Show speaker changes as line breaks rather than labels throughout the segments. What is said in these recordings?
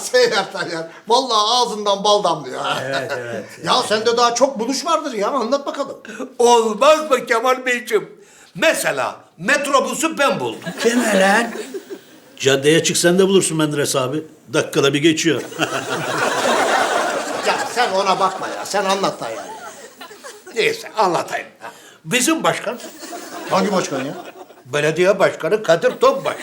Seyyar Tayyar. Vallahi ağzından bal damlıyor.
Evet, evet.
Ya sende daha çok buluş vardır ya. Anlat bakalım.
Olmaz mı Kemal Beyciğim? Mesela metrobüsü ben buldum.
Deme lan.
Caddeye çıksan da bulursun Menderes abi. Dakikada bir geçiyor.
Ya sen ona bakma ya. Sen anlat Tayyar.
Neyse anlatayım. Bizim başkan,
Hangi başkan ya?
belediye başkanı Kadir Topbaş.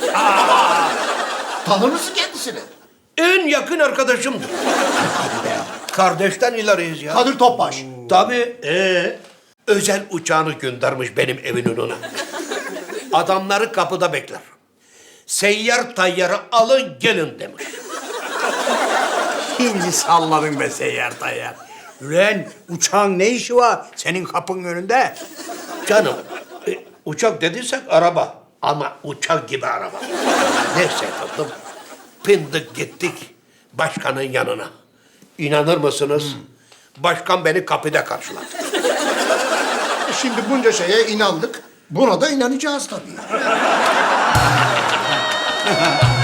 Tanır mısın kendisini?
En yakın arkadaşımdır. Kardeşten ileriyiz ya.
Kadir Topbaş.
Tabii. Özel uçağını göndermiş benim evin önüne. Adamları kapıda bekler. Seyyar Tayyar'ı alın gelin demiş.
Şimdi salladın be Seyyar Tayyar. Ulan uçağın ne işi var senin kapının önünde?
Canım, uçak dediysek araba. Ama uçak gibi araba. Neyse tatlım. Pindik gittik başkanın yanına. İnanır mısınız? Başkan beni kapıda karşıladı.
Şimdi bunca şeye inandık. Buna da inanacağız tabii.